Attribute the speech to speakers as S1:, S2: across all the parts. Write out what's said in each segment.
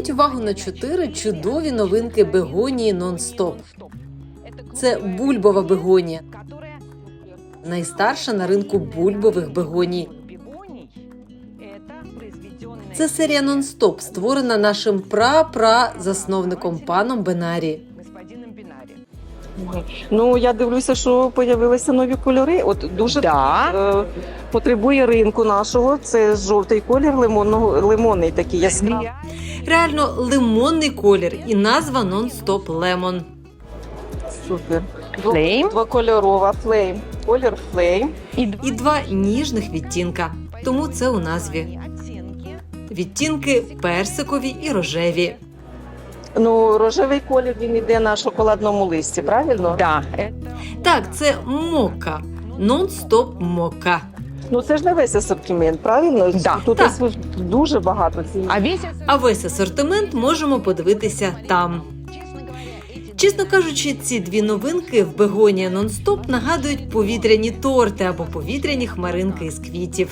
S1: Зверніть увагу на 4 чудові новинки бегонії нон-стоп. Це бульбова бегонія, найстарша на ринку бульбових бегоній. Це серія нон-стоп, створена нашим засновником паном Бенарі.
S2: Ну, я дивлюся, що з'явилися нові кольори. От дуже потребує ринку нашого. Це жовтий колір, лимонний такий яскравий.
S1: Реально лимонний колір і назва нон-стоп лемон.
S2: Супер.
S3: Flame.
S2: Двокольорова флейм. Колір флейм.
S1: І 2 ніжних відтінка. Тому це у назві. Відтінки персикові і рожеві.
S2: Ну, рожевий колір, він йде на шоколадному листі, правильно?
S3: Да.
S1: Так, це мокка. Нон-стоп мокка.
S2: Ну, це ж не весь асортимент, правильно?
S3: Да.
S2: Тут
S1: Так.
S2: дуже багато цієї.
S1: А весь асортимент можемо подивитися там. Чесно кажучи, ці 2 новинки в бегонія нон-стоп нагадують повітряні торти або повітряні хмаринки із квітів.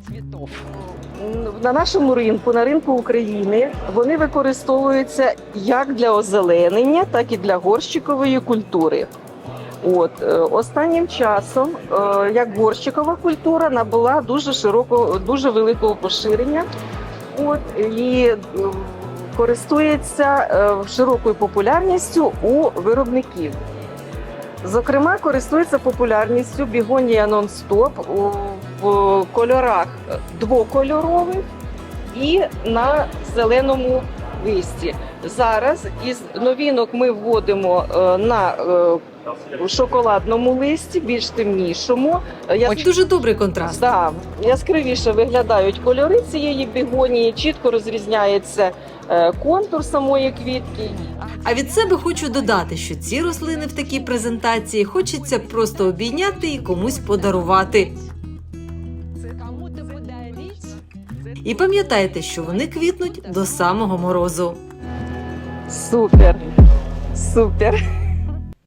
S2: На нашому ринку, на ринку України, вони використовуються як для озеленення, так і для горщикової культури. Останнім часом, як горщикова культура, набула дуже великого поширення. І користується широкою популярністю у виробників. Зокрема, користується популярністю бегонія нон-стоп в кольорах двокольорових і на зеленому листі. Зараз із новинок ми вводимо на шоколадному листі, більш темнішому.
S1: Дуже добрий контраст.
S2: Да, яскравіше виглядають кольори цієї бегонії, чітко розрізняється контур самої квітки.
S1: А від себе хочу додати, що ці рослини в такій презентації хочеться просто обійняти і комусь подарувати. І пам'ятайте, що вони квітнуть до самого морозу.
S2: Супер! Супер!